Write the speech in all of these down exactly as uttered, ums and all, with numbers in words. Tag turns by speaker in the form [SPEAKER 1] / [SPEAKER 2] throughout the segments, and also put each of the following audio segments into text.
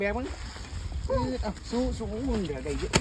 [SPEAKER 1] แบกมึงเอาสู้สู้มึงเดี๋ยวได้เยอะ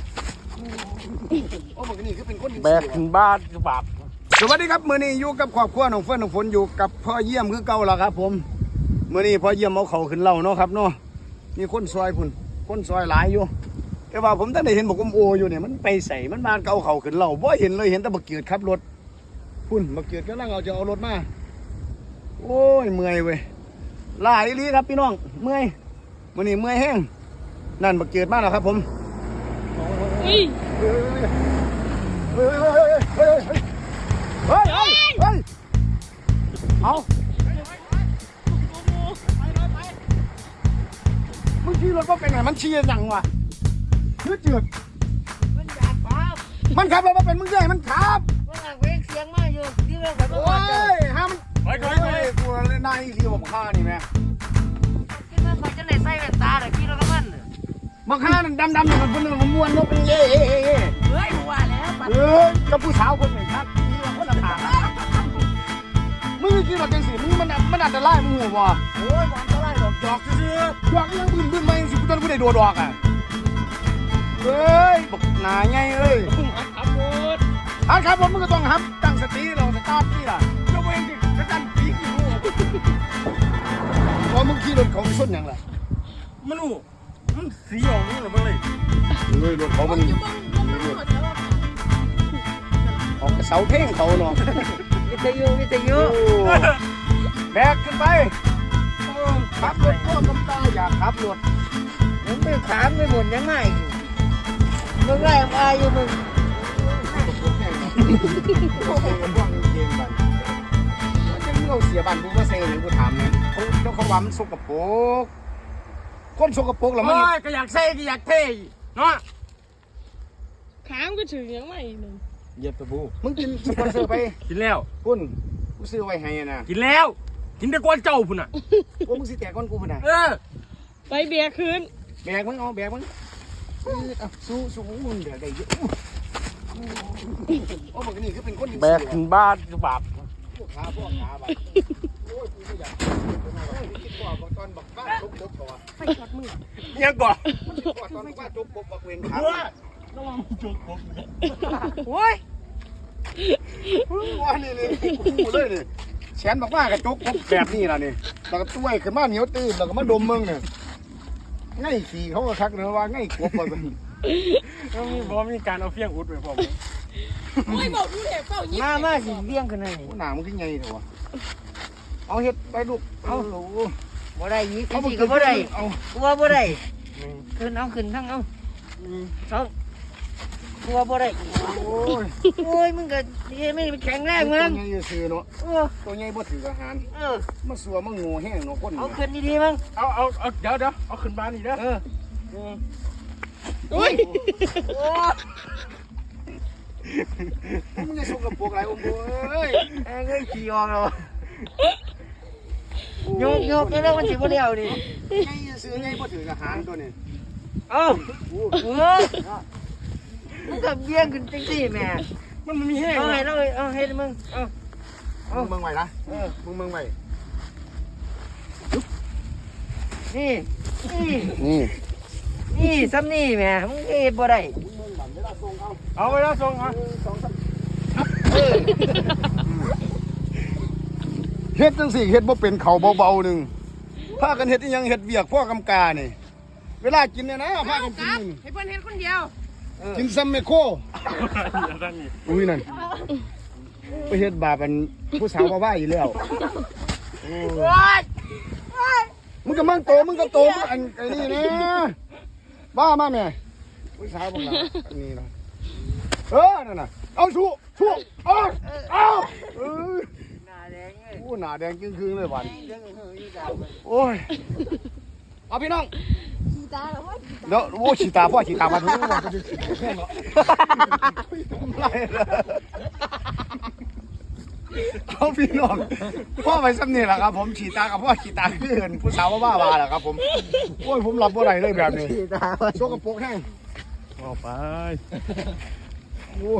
[SPEAKER 1] โอ้มันนี่คือเป็นคนแบกขึ้นบ้านกระบาดสวัสดีครับมื้อนี้อยู่กับครอบครัวน้องเฟิร์นน้องฝนอยู่กับพ่อเยี่ยมคือเก่าแล้วครับผมมื้อนี้พ่อเยี่ยมเอาเข่าขึ้นเล่าเนาะครับเนาะมีคนซอยพุ่นคนซอยหลายอยู่แต่ว่าผมตั้งแต่เห็นบอกอมโออยู่เนี่ยมันไปใส่มันมาเก่าเข่าขึ้นเล่าบ่เห็นเลยเห็นแต่บักเกียดขับรถพุ่นบักเกียดกำลังเอาจะเอารถมาโอ้ยเมื่อยเว้ยหลายลีครับพี่น้องเมื่อยมื้อนี้เมื่อยแห้งนั่นบักเกียดมาแล้วครับผมเฮ้ยเฮ้ยเฮ้ยเฮ้ยเฮ้ยเฮ้ยเฮ้ยเฮ้ยเอามึงขี่รถว่าเป็นไงมันเชียร์ยังวะยืดจืดมันอยากขับมันขับแล้วมาเป็นมึงใหญ่มันขับมันอยากเวกเสียงมาอยู่ที่เราขับโอ้ยห้ามไปไปไปกูเลยนายที่ผมฆ่านี่แม่ที่มันเขาจะเลยใส่แว่นตาแต่ขี่รถกับมันมาฆ่ามันดำดำมันเป็นมันม้วนมันเป็นเย่เย่เย่เฮ้ยกูว่าแล้วเฮ้ยกับผู้สาวคนหนึ่งครับที่เราคนละทางมึงขี่รถจังสิมึงมันมันอันตรายมึงหัวโอ้ยอันตรายดอกจอกซื่อจอกยังบึ้นบึ้นมาสิกูตอนกูได้โดดดอกอ่ะเฮ้ยบอกหนาไงเอ้ยขับรถอันขับรถมึงก็ต้องหับตั้งสติเราสตาร์ทนี่ล่ะยกเว้นดิกระดันปีกอยู่พอมึงขี่รถเขาชนยังล่ะมันอู้มันสีออกนี่หรือมันเลยเฮ้ยรถเขามันออกกระเสาเพ่งเขาเนาะวิทยุวิทยุแบกขึ้นไปขับรถพ่วงกำตาอยากขับรถมึงไปขามไปหมดยังไงมึงไล่มาอยู่มึงจะมึงเอาเสียบันกูก็เซ่เลยกูถามเนี่ยเขาเจ้าเขาว่ามันสกปรกคนสกปรกหรอมันก็อยากเซ่ก็อยากเท่เนาะ
[SPEAKER 2] ขามก็ถึงยังไม่หนึ่ง
[SPEAKER 1] เย็บตะบูมึงกินสปอนเซอร์ไป
[SPEAKER 3] กินแล้ว
[SPEAKER 1] พุ่นกูซื้อไว้ให้นะ
[SPEAKER 3] กินแล้วกินแต่ก้อนเจ้าพุ่นอ่ะ
[SPEAKER 1] ว่ามึงสิแตกก้อนกูพุ่นอ่ะ
[SPEAKER 3] เออ
[SPEAKER 2] ไปเบียร์คืน
[SPEAKER 1] แบกมึงเอาแบกมึงเอาสู้สู้มึงเดี๋ยวได้เยอะโอ้มันนี่คือเป็นคน
[SPEAKER 3] แบกขึ้นบ้านกระบาด
[SPEAKER 1] พวกขาพวกขาแบบโอ้ยกูก็อยากคิดว่าตอนบักบ้านทุบทุบก่อน
[SPEAKER 2] ไปช็อตมือ
[SPEAKER 3] ยังก่อน
[SPEAKER 1] ตอนบ้านทุบปุ๊บบักเวงขา
[SPEAKER 3] ระวังจุกผม
[SPEAKER 2] โอ้ย
[SPEAKER 1] ว่านี่นี่กูเลยนี่แขนบอกว่ากระจุกแบบนี้ล่ะนี่แล้วก็ต้วยขึ้นมาเหนียวตื้นแล้วก็มาดมมึงเนี่ยง่ายขี่เขาก็ทักเนื้อว่าง่ายกบไป
[SPEAKER 3] ก็มีบอมีการเอาเฟี้ยงอุดไปผม
[SPEAKER 2] โอ้ยบอกดูเห็บเปล่ายิ้ม
[SPEAKER 1] มามาสิเบี้ยงขึ้นเลยหนามันขึ้นไงเถอะวะเอาเห็ดไปลูกเอาลูก
[SPEAKER 4] บ่ได้ยี่สิบสี่ก็บ่ได้เอากลัวบ่ได้ขึ้นเอาขึ้นทั้งเอาสองกลัวบ่ได้โอ้ยโอ้ยมึงก็ไม่แข็งแรงมึง
[SPEAKER 1] ตัวใหญ่ซื้อเนาะตัวใหญ่บ่ถืออาหารเออมาสัวมาโง่แห้งเนาะคน
[SPEAKER 4] เอาขึ้นดีๆมึง
[SPEAKER 3] เอาเอาเอาเดี๋ยวเดี๋ยวเอาขึ้นบ้านนี่นะ
[SPEAKER 4] เออ
[SPEAKER 2] โอ้ย
[SPEAKER 1] มึงจะส่งกับพวกอะไรอมโเอ้ย
[SPEAKER 4] ไอ้เงยขี่ออกแล้วโยกโยกแล้วมันสิบ่เลี้ยวดิ
[SPEAKER 1] ไงซื้อไงบ่ถืออาหารตัวนี้
[SPEAKER 4] เอ้าเออมึงก็เบี้ยงขึ้นจังซี่แม่
[SPEAKER 3] มันมีแห้ง
[SPEAKER 4] เอาให้เราเอาให้มึงเอา
[SPEAKER 1] เอามึงไว้นะเออมึงมึงไว้
[SPEAKER 4] นี่นี่
[SPEAKER 1] นี่
[SPEAKER 4] นี่ซ้ำนี่แม่มึงเฮ็ดบ่ได้
[SPEAKER 3] เอาไปแล้วส่งเอา
[SPEAKER 1] เฮ็ดจังสี่เฮ็ดบ่เป็นเขาเบาๆหนึ่งพากันเฮ็ดยังเฮ็ดเวียกพ่อกำกานี่เวลากินเนี่ยนะพากันกิน
[SPEAKER 2] ให้เพื่อนเฮ็ดคนเดียว
[SPEAKER 1] กินซัมเมโคอุ้ยนั่นไปเฮ็ดบาปอันผู้สาวบ้าๆอยู่แล้วมึงก็มั่งโตมึงก็โตมึงอันไอ้นี่นะบ้ามากแม่ผู้สาวบ้าอันนี้นะเออนั่นน่ะเอาชูชูเอาเอาเออ
[SPEAKER 4] หน้าแดงเลย
[SPEAKER 1] โอ้หน้าแดงจึงๆเลยวันโอ้ยเอาพี่น้อง
[SPEAKER 2] ขี่ตาแล้วว่า
[SPEAKER 1] เดี๋ยวโอ้ฉีตาพ่อฉีตามาทุกวันเอาพี่น้องพ่อไปซ้ำนี่แหละครับผมฉีตากับพ่อฉีตาขึ้นผู้สาวบ้าบ้าแหละครับผมโอ้ยผมรับบ่ได้เลยแบบนี้โชกกระโปงแห้ง
[SPEAKER 3] ออกไป
[SPEAKER 1] โอ้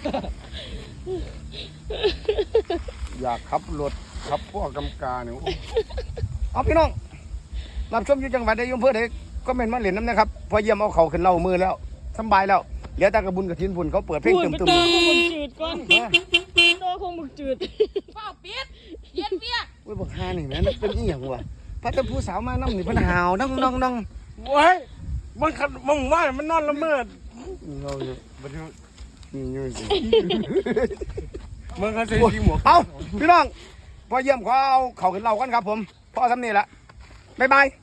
[SPEAKER 1] อยากขับรถขับพ่อกำกาเนี่ยเอาพี่น้องรับชมอยู่จังหวัดใดอำเภอใดก็เมนมาเหรียญน้ำนะครับพอเยี่ยมเอาเขาขึ้นเล่ามือแล้วสบายแล้วเหลือแต่กระบุญกับทินพุ่นเขาเปิดเพลง
[SPEAKER 2] พูด
[SPEAKER 1] ตึม
[SPEAKER 2] ไป
[SPEAKER 1] ตึม
[SPEAKER 2] เตอคงมึงจืดก่อนโตคงมึงจืดเฝ้าปิดเย็นเปียก
[SPEAKER 1] เว้ยบอกฮานี่แม่นเป็นอีหยังวะพระเจ้าผู้สาวมานั่งนี่เพิ่นหาวนั่งนั่งนั่ง
[SPEAKER 3] โอ้ยมันขัดมึงว่ามันนอนละเมิด
[SPEAKER 1] เราเนี่ย
[SPEAKER 3] บัดนี้
[SPEAKER 1] นี่อยู่สิ
[SPEAKER 3] มึงก็ใส่สีหมวก
[SPEAKER 1] เอาพี่น้องพอเยี่ยมขอเอาเขาขึ้นเล่ากันครับผมพ่อทำนี่ละบ๊ายบาย